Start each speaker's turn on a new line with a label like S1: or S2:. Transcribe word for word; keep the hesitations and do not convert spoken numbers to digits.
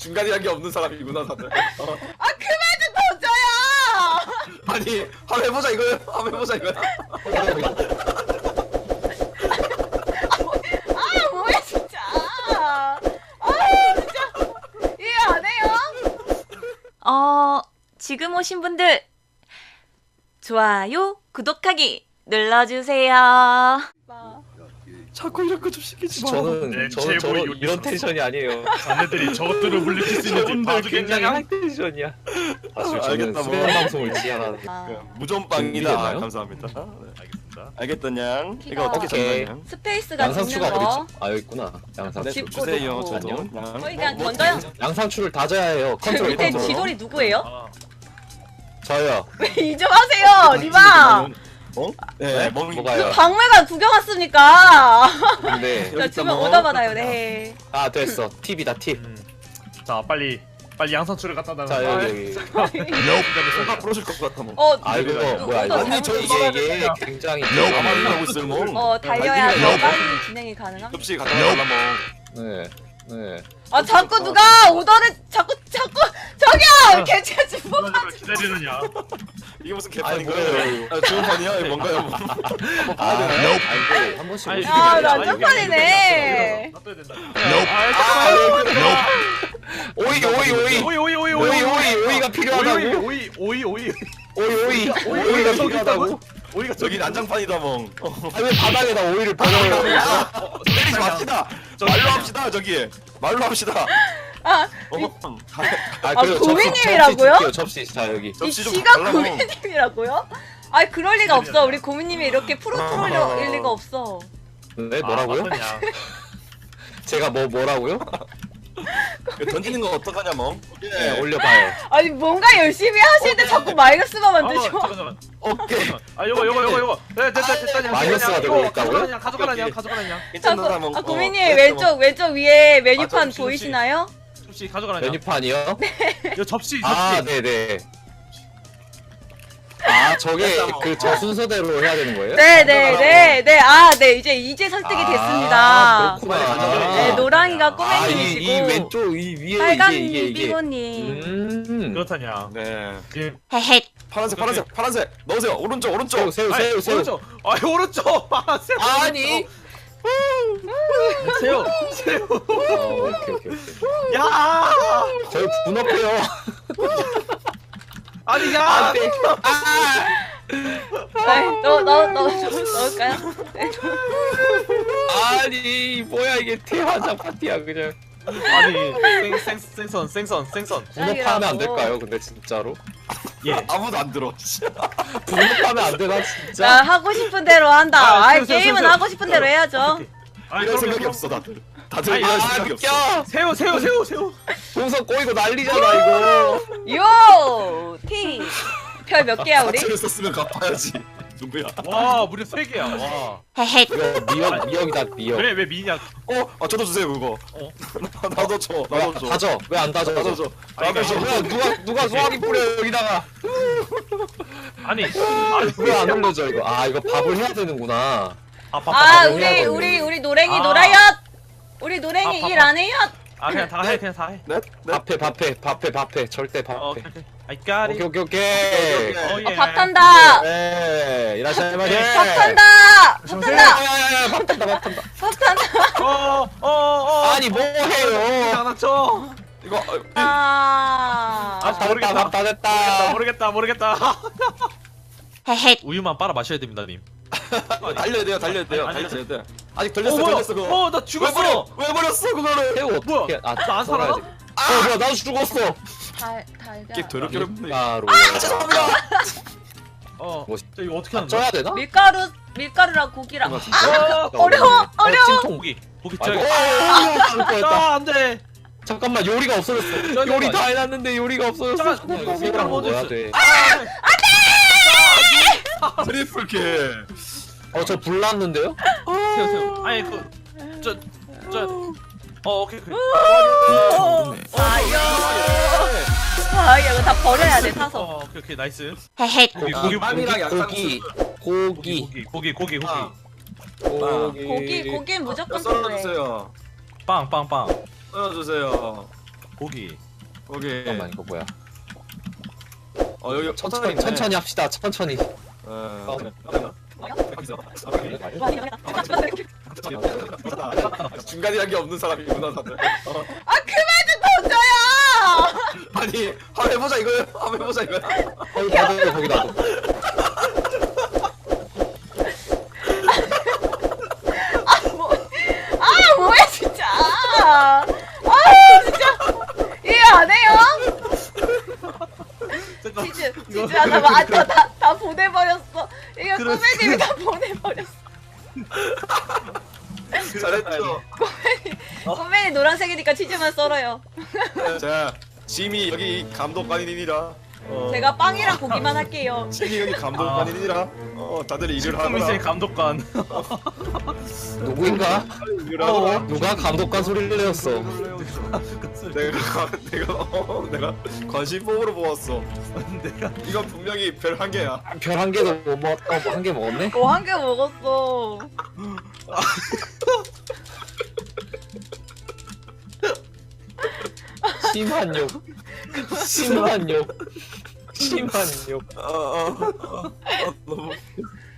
S1: 중간이란 게 없는 사람이구나 다들. 어.
S2: 아 그만 좀 던져요.
S1: 아니 한번 해보자 이거요. 한번 해보자 이거야.
S2: 아 뭐야 진짜. 아 진짜 이해 안 해요? 어 지금 오신 분들 좋아요 구독하기 눌러주세요.
S1: 자꾸 이런 거 좀 시키지 마.
S3: 저는
S4: 네,
S3: 저는
S4: 제보
S3: 저는
S4: 요리
S3: 이런
S4: 선수.
S3: 텐션이 아니에요.
S4: 자네들이 저것들을 물리칠 수 있는지
S3: 저분들
S4: 봐도
S3: 굉장히
S4: 괜찮아?
S3: 하이 텐션이야. 사실 저는
S1: 알겠다, 뭐.
S3: 수면 방송을 지향하는.
S1: 무전빵이다.
S3: 준비됐나요?
S1: 감사합니다. 네.
S4: 알겠습니다.
S1: 알겠더냥.
S2: 키가-
S1: 이거 어떻게
S3: 오케이.
S1: 전달냐?
S2: 스페이스가
S3: 양상추가
S2: 붙는 거.
S3: 어딨지? 아 여기 있구나. 양상추.
S1: 네,
S2: 짚고
S1: 주세요
S2: 놓고.
S1: 저도. 양.
S2: 거의 그냥
S1: 뭐,
S2: 던져요.
S3: 양상추를 다져야 해요.
S2: 저
S3: 컨트롤
S2: 밑에
S3: 컨트롤.
S2: 지돌이 누구예요?
S4: 아,
S3: 저요.
S2: 이 좀 하세요, 리바.
S1: 어? 네, 멍.
S3: 뭐가요?
S2: 박물관 구경 왔습니까?
S3: 근데
S2: 자,
S1: 여기
S2: 주면
S1: 있다, 뭐.
S2: 오더 받아요, 네.
S3: 아 됐어. 팁이다 팁.
S4: 음. 자 빨리 빨리 양상추를 갖다 놔.
S3: 자 여기 여기.
S1: 손가 부러질 것 같아 뭐.
S2: 어,
S3: 아 이거
S2: 누-
S3: 뭐야 이거?
S2: 누구
S1: 아니, 저
S3: 이게 이게 굉장히
S1: 가만히 하고 있을 뭐.
S2: 어, 달려야
S1: 아니,
S2: 더
S1: 이거
S2: 빨리 진행이 가능함.
S1: 접시 갖다 달라 뭐.
S3: 네 네.
S2: 아, 자꾸 누가 오더를 자꾸 자꾸 저기요, 개체지 뭐.
S4: 기다리느냐?
S1: 이게 무슨
S3: 아니,
S1: 개판인
S3: 뭐예요,
S1: 거예요? 아, 좋은 판이야? 이거 뭔가요? 한번
S3: 아
S1: 봐야 되나요?
S3: 아니 한 번씩.
S4: 아니,
S3: 오시면
S2: 아,
S3: 돼요.
S2: 나
S4: 여기, 여기,
S2: 깜빡이네.
S4: 놔둬야 된다.
S1: 아,
S3: 오이 오이 오이.
S4: 오이 오이 오이
S3: 오이 오이 오이가
S4: 오이
S3: 필요하다고.
S4: 오이 오이 오이
S3: 오이 오이 오이가 필요하다고.
S4: 오이가
S1: 저기 난장판이다 멍. 어.
S3: 아왜 바닥에다 오이를 버려요?
S1: 어, 때리지 맙시다. 말로 합시다 저기. 말로 합시다.
S2: 아,
S1: 어,
S3: 아,
S2: 아,
S3: 그리고
S2: 고민님이라고요?
S3: 접시, 접시, 접시. 자 여기.
S2: 이
S1: 접시 좀
S2: 지가
S1: 달라고.
S2: 고민님이라고요? 아이, 그럴 리가 없어. 우리 고민님이 이렇게 프로 프로일 리가 없어.
S3: 네 뭐라고요?
S4: 아,
S3: 제가 뭐 뭐라고요?
S1: 던지는 거 어떡하냐 멍.
S3: 네 올려봐요.
S2: 아니, 뭔가 열심히 하실 때 자꾸 마이너스만
S4: 아,
S2: 만드셔.
S4: 잠깐 잠깐.
S1: 오케이.
S4: 아 요거 요거 요거 요거. 네 됐다 됐다 그냥.
S3: 마이너스가
S4: 그냥
S3: 되고
S4: 이거
S3: 있다고요?
S4: 가져가라, 그냥 가져가라 그냥
S1: 오케이.
S4: 가져가라 그냥.
S1: 괜찮나
S2: 자꾸,
S1: 멍.
S2: 아,
S1: 어,
S2: 고민님
S1: 됐어,
S2: 왼쪽 왼쪽 위에
S4: 아,
S2: 메뉴판
S4: 접시,
S2: 보이시나요?
S4: 접시 가져가라 그냥.
S3: 메뉴판이요?
S4: 이거 접시 접시.
S3: 아 네네. 아 저게
S1: 됐다,
S3: 그 저 순서대로 해야 되는 거예요?
S2: 네네네네. 아, 네, 이제 이제 설득이
S3: 아,
S2: 됐습니다.
S3: 그렇구나.
S2: 네, 노랑이가
S3: 아, 이,
S2: 꼬맹님이시고
S3: 이 왼쪽 이 위에
S2: 빨간
S3: 이게 이게 이게.
S2: 비고님.
S3: 음.
S4: 그렇다냐.
S1: 네.
S4: 예.
S2: 헤헤.
S1: 파란색 파란색 파란색 넣으세요. 오른쪽 오른쪽.
S3: 새우 새우
S4: 아니,
S3: 새우 새우.
S4: 오른쪽. 아 오른쪽. 아 새우.
S3: 아니.
S4: 새우 새우.
S3: 어, 오케이 오케이 오케이.
S4: 야.
S3: 저희 분업해요.
S4: 아니 야.
S3: 안돼. 아.
S2: 너너너 넣을까요? 네.
S3: 아니 뭐야 이게 대환장 파티야 그냥.
S4: 아니 생, 생, 생선 생선 생선.
S3: 분업하면 안 될까요? 근데 진짜로?
S4: 예.
S1: 아무도 안 들어.
S3: 분업하면 안 되나
S2: 나
S3: 진짜?
S2: 하고 싶은 대로 한다.
S4: 아,
S2: 아,
S4: 새우, 새우,
S2: 게임은
S4: 새우,
S2: 하고 싶은 대로 해야죠.
S4: 아니
S1: 이런
S4: 그럼,
S1: 생각이
S4: 그럼.
S1: 없어 다들. 다들
S4: 아니,
S1: 이런
S3: 아
S1: 생각이 없어.
S3: 웃겨.
S4: 새우 새우 새우 새우.
S3: 동선 꼬이고 난리잖아 이거.
S2: 요! T! 별 몇 개야, 우리?
S1: 사채를 썼으면 갚아야지. 누구야?
S4: 와 무려 세 개야. 와.
S2: 헤헤.
S3: 이거 미역 미역이다 미역.
S4: 그래 왜 미냐?
S1: 어, 아 저도 주세요 그거.
S4: 어.
S1: 나도 줘.
S3: 왜
S1: 나도 줘.
S3: 다져? 왜 안 다져?
S1: 나도 줘.
S4: 아니,
S1: 나도 줘.
S3: 누가 누가 누가 소화기 뿌려 여기다가.
S4: 아니.
S3: 왜 안 올려져 이거? 아 이거 밥을 해야 되는구나.
S4: 아빠.
S2: 아,
S3: 밥을
S2: 우리,
S3: 해야
S2: 우리,
S3: 되네.
S2: 우리 노랭이
S4: 아.
S2: 놀아요! 우리 노랭이
S4: 아,
S2: 일
S4: 밥,
S2: 안 해요!
S4: 아 그냥 다 해 그냥 다 해.
S1: 네? 네?
S3: 밥해 밥해 밥해 밥해 절대
S4: 어,
S3: 밥해.
S4: 오케이 오케이. I got
S3: 오케이
S4: it.
S3: 오케이 오케이.
S1: 오케이.
S4: 어,
S2: 어,
S4: 예.
S2: 밥 탄다!
S3: 네 이라샤이 마세.
S2: 밥 탄다! 밥 탄다!
S3: 야야야 밥 탄다 밥 탄다.
S2: 밥 탄다!
S4: 어, 어, 어.
S3: 아니 뭐 해요?
S4: 하나 쳐.
S1: 이거 어,
S2: 아.
S4: 아,
S3: 다
S4: 모르겠다.
S3: 됐다 밥 다 됐다.
S4: 모르겠다, 모르겠다, 모르겠다.
S2: 헤헤.
S4: 우유만 빨아 마셔야 됩니다, 님.
S1: 어, 달려야 돼요. 달려야 돼요.
S4: 아니, 아니,
S1: 달려야 돼. 아직
S4: 어,
S1: 걸렸어.
S4: 뭐야?
S1: 걸렸어 그거.
S4: 어, 나
S1: 왜
S4: 죽었어.
S1: 버려? 왜 버렸어 그거를?
S3: 새우
S4: 뭐야?
S3: 어떻게? 아
S4: 나안 살아나?
S3: 썰어야지. 어 뭐야 나도 죽었어.
S2: 달, 달걀.
S1: 이게 더럽게 어렵네.
S3: 바로.
S1: 죄송합니다.
S4: 어,
S3: 뭐,
S4: 저 이거 어떻게 하는 거야?
S3: 쪄야 되나?
S2: 밀가루, 밀가루랑 고기랑.
S4: 어,
S2: 어려워, 어려워.
S3: 찜통.
S4: 고기, 고기
S3: 아,
S4: 쪄.
S3: 이거- 어, 죽을 뻔했다.
S4: 아, 안 돼.
S3: 잠깐만 요리가 없어졌어.
S4: 잠깐만.
S3: 요리 다 해놨는데 요리가 없어졌어.
S4: 잠깐,
S3: 그냥
S4: 꼭
S3: 새우랑
S4: 먼저
S3: 먹어야
S4: 있어.
S3: 돼.
S1: 트리플 킬.
S3: 어저 불났는데요?
S4: 세요, 세요. 아니 그, 저, 저. 어, 오케이, 오케이.
S2: 아유. 아, 이거 다 버려야 돼, 사서.
S4: 어, 오케이, 오케이, 나이스.
S2: 헤헤.
S4: 고기,
S3: 아,
S4: 고기,
S1: 빵이랑
S3: 고기 고기
S4: 고기, 고기, 고기, 고기.
S1: 아.
S2: 고기, 고기는 무조건 필요해.
S1: 썰어주세요.
S4: 빵, 빵, 빵.
S1: 썰어주세요.
S4: 고기.
S1: 오케이.
S3: 잠깐만 이거 뭐야?
S1: 어 여기
S3: 천천히 천천히 합시다. 천천히.
S1: 어. 중간이란 게 없는 사람이구나 다들. 어.
S2: 아 그만 좀 던져요.
S1: 아니 한번 해보자 이거요. 한번 해보자 이거야.
S3: 거기 놔둬 거기 놔둬.
S2: 뭐, 아 뭐야 진짜. 아 진짜 이해 안 해요?
S4: 잠깐.
S2: 치즈
S4: 이거-
S2: 치즈 하다가 아다 다, 다 보내버렸어. 이거
S4: 그래,
S2: 꼬매님이
S4: 그래.
S2: 다 보내버렸어.
S1: 잘했죠.
S2: 꼬매니 노란색이니까 치즈만 썰어요.
S1: 자 짐이 여기 감독관이니라. 어.
S2: 제가 빵이랑 고기만 할게요.
S1: 짐이 여기 감독관이니라. 어 다들 일을
S4: 코미스의
S1: 하거라.
S4: 감독관.
S3: 누구인가?
S1: 일을 하거라.
S3: 누가 감독관 소리를 내었어?
S1: 내가 내가 어, 내가 관심법으로 보았어.
S4: 내가
S1: 이건 분명히 별 한 개야.
S3: 별 한 개도 못 먹었다. 뭐 한 개 먹었네?
S2: 어 한 개 먹었어.
S3: 심한 욕. 심한 욕. 심한 욕.
S1: 어, 어, 어, 어, 너무